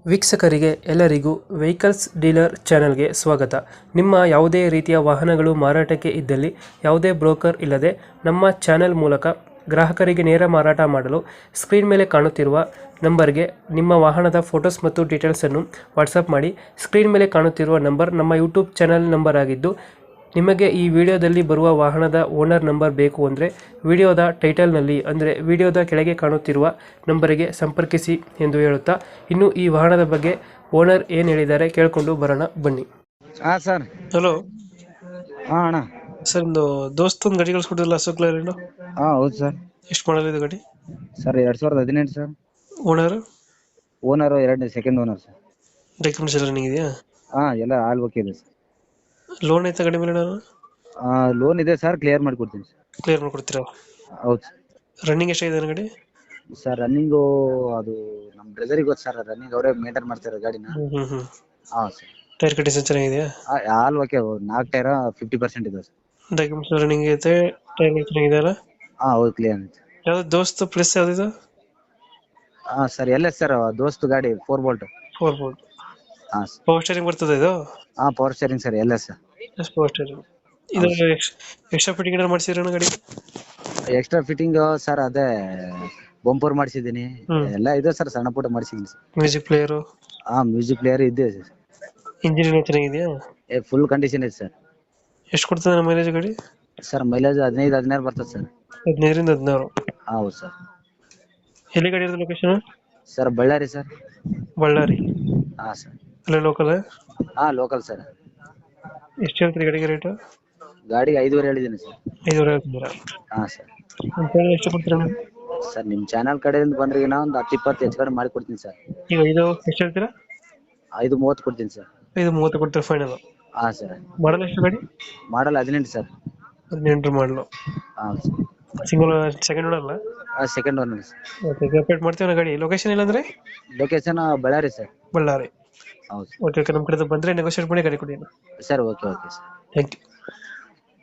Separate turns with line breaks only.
ವೀಕ್ಷಕರಿಗೆ ಎಲ್ಲರಿಗೂ vehicles dealer ಚಾನೆಲ್ಗೆ ಸ್ವಾಗತ. ನಿಮ್ಮ ಯಾವುದೇ ರೀತಿಯ ವಾಹನಗಳು ಮಾರಾಟಕ್ಕೆ ಇದ್ದಲ್ಲಿ ಯಾವುದೇ ಬ್ರೋಕರ್ ಇಲ್ಲದೆ ನಮ್ಮ ಚಾನೆಲ್ ಮೂಲಕ ಗ್ರಾಹಕರಿಗೆ ನೇರ ಮಾರಾಟ ಮಾಡಲು ಸ್ಕ್ರೀನ್ ಮೇಲೆ ಕಾಣುತ್ತಿರುವ ನಂಬರ್ಗೆ ನಿಮ್ಮ ವಾಹನದ ಫೋಟೋಸ್ ಮತ್ತು ಡೀಟೇಲ್ಸನ್ನು ವಾಟ್ಸಪ್ ಮಾಡಿ. ಸ್ಕ್ರೀನ್ ಮೇಲೆ ಕಾಣುತ್ತಿರುವ ನಂಬರ್ ನಮ್ಮ ಯೂಟ್ಯೂಬ್ ಚಾನೆಲ್ ನಂಬರ್ ಆಗಿದ್ದು, ನಿಮಗೆ ಈ ವಿಡಿಯೋದಲ್ಲಿ ಬರುವ ವಾಹನದ ಓನರ್ ನಂಬರ್ ಬೇಕು ಅಂದರೆ ವಿಡಿಯೋದ ಟೈಟಲ್ನಲ್ಲಿ ಅಂದರೆ ವಿಡಿಯೋದ ಕೆಳಗೆ ಕಾಣುತ್ತಿರುವ ನಂಬರಿಗೆ ಸಂಪರ್ಕಿಸಿ ಎಂದು ಹೇಳುತ್ತಾ, ಇನ್ನು ಈ ವಾಹನದ ಬಗ್ಗೆ ಓನರ್ ಏನು ಹೇಳಿದ್ದಾರೆ ಕೇಳಿಕೊಂಡು ಬರೋಣ ಬನ್ನಿ.
ಹಾ ಸರ್.
ಹಲೋ
ಹಾ ಅಣ್ಣ.
ಸರ್, ಒಂದು ದೋಸ್ತ ಒಂದು ಗಾಡಿ ಕಳಿಸ್ಕೊಟ್ಟಿಲ್ಲ ಅಶೋಕ್ ಲೇಲ್ಯಾಂಡ್,
ಹಾ ಹೌದು ಸರ್.
ಎಷ್ಟು ಮಾಡಲ್ ಇದು ಗಾಡಿ?
Sir 2018 sir.
Owner
owner second owner sir.
Documents ಎಲ್ಲ ರನ್ನಿಂಗ್ ಇದೆಯಾ?
ಹಾ ಎಲ್ಲ ಆಲ್ ಓಕೆ ಇದೆ ಸರ್.
ಲೋನ್ ಐತೆ ಗಾಡಿ ಮೇಲೆ?
ಲೋನ್ ಇದೆ ಸರ್, ಕ್ಲಿಯರ್ ಮಾಡ್ಕೊಡ್ತೀನಿ ಸರ್.
ಕ್ಲಿಯರ್ ಮಾಡ್ಕೊಡ್ತೀರಾ?
ಹೌದು ಸರ್.
ರನ್ನಿಂಗ್ ಎಷ್ಟಾಗಿದೆ ಗಾಡಿ?
ಸರ್ ರನ್ನಿಂಗು ಅದು ನಮ್ಮ ಬ್ರದರಿಗೆ ಗೊತ್ತು ಸರ್, ರನ್ನಿಂಗ್ ಅವರೇ ಮೇಂಟೈನ್ ಮಾಡ್ತಾರೆ ಗಾಡಿನ. ಹಾ ಸರ್.
ಟೈರ್ ಕಂಡೀಷನ್ ಚೆನ್ನಾಗಿದೆಯಾ?
ಆಲ್ ಓಕೆ, 4 ಟೈರ್ 50% ಇದೆ ಸರ್.
ಡಾಕ್ಯುಮೆಂಟ್ಸ್ ರನ್ನಿಂಗ್ ಐತೆ, ಟೈರ್ ಚೆನ್ನಾಗಿದೆ ಅಲ್ಲ?
ಹಾ ಹೌದು, ಕ್ಲಿಯರ್ ಐತೆ.
ಯಾವ್ದು ದೋಸ್ತ್ ಪ್ಲಸ್ ಯಾವ್ದಿದು?
ಹಾ ಸರ್ ಎಲ್ಲ ಸರ್, ದೋಸ್ತ್ ಗಾಡಿ 4 ಬೋಲ್ಟ್.
4 ಬೋಲ್ಟ್.
ಹಾ ಸರ್.
ಪವರ್ ಸ್ಟೇರಿಂಗ್ ಬರ್ತದೆ ಇದು?
ಹಾ ಪವರ್ ಸ್ಟೇರಿಂಗ್ ಸರ್ ಎಲ್ಲ ಸರ್.
Power steering. ಇದು ಎಕ್ಸ್ಟ್ರಾ ಫಿಟ್ಟಿಂಗ್ ಏನಾದ್ರು ಮಾಡಿಸಿದ್ರೆ ಗಾಡಿ?
ಎಕ್ಸ್ಟ್ರಾ ಫಿಟ್ಟಿಂಗ್ ಸರ್ ಅದೇ ಬಂಪರ್ ಮಾಡಿಸಿದ್ದೀನಿ, ಎಲ್ಲ ಇದೆ ಸರ್, ಸಣ್ಣ ಪುಟ್ಟ ಮಾಡಿಸಿದ್ದೀನಿ ಸರ್.
Music player?
ಹಾ ಮ್ಯೂಸಿಕ್ ಪ್ಲೇಯರ್ ಇದೆ ಸರ್.
ಇಂಜಿನ್ ಚೆನ್ನಾಗಿದೆಯಾ?
ಫುಲ್ ಕಂಡೀಷನ್ ಇದೆ ಸರ್.
ಎಷ್ಟು ಕೊಡ್ತದೆ ನಮ್ಮ ಮೈಲೇಜ್ ಗಾಡಿ?
ಸರ್ ಮೈಲೇಜ್ 15-16 ಬರ್ತದೆ ಸರ್.
15ರಿಂದ 16.
ಹೌದು ಸರ್.
ಎಲ್ಲಿ ಗಾಡಿ ಇರೋದು location?
Sir Bellary sir.
Bellary.
ಹಾ ಸರ್.
ಅಲ್ಲೇ ಲೋಕಲ್?
ಹಾ ಲೋಕಲ್ ಸರ್.
ಎಷ್ಟು ಹೇಳ್ತೀರಿ ಗಾಡಿಗೆ ರೇಟ್?
ಗಾಡಿಗೆ 5.5 ಹೇಳಿದ್ದೀನಿ ಸರ್.
5,500 ಹೇಳ್ತಿದ್ದೀರಾ?
ಹಾ ಸರ್.
ಎಷ್ಟು ಕೊಡ್ತೀರಾ?
ಸರ್ ನಿಮ್ಮ ಚಾನಲ್ ಕಡೆಯಿಂದ ಬಂದ್ರೆ ನಾ ಒಂದು 10-20 ಹೆಚ್ಚು ಕಡಿಮೆ ಮಾಡಿ ಕೊಡ್ತೀನಿ ಸರ್.
ಈಗ ಇದು ಎಷ್ಟು ಹೇಳ್ತೀರಾ?
5.30 ಕೊಡ್ತೀನಿ ಸರ್.
5,30 ಕೊಡ್ತೀರಾ ಫೈನಲ್?
ಹಾ ಸರ್.
ಮಾಡಲ್ ಎಷ್ಟು ಗಾಡಿ?
ಮಾಡಲ್ 18 ಸರ್.
18 ಮಾಡಲು.
ಹಾ ಸರ್.
ಸಿಂಗಲ್ ಸೆಕೆಂಡ್ ಓನರ್ ಅಲ್ಲ?
Second one sir.
Okay, update ಮಾಡ್ತೀವಿ ಗಾಡಿ. ಲೊಕೇಶನ್ ಇಲ್ಲಾಂದ್ರೆ?
Location Bellary sir.
ಬಳ್ಳಾರಿ.
ಹೌದು.
ಓಕೆ, ನಮ್ಮ ಕಡೆ ಬಂದರೆ ನೆಗೋಷಿಯೇಟ್ ಮಾಡಿ ಗಾಡಿ ಕೊಡಿ.
Sir okay okay sir.
Thank you.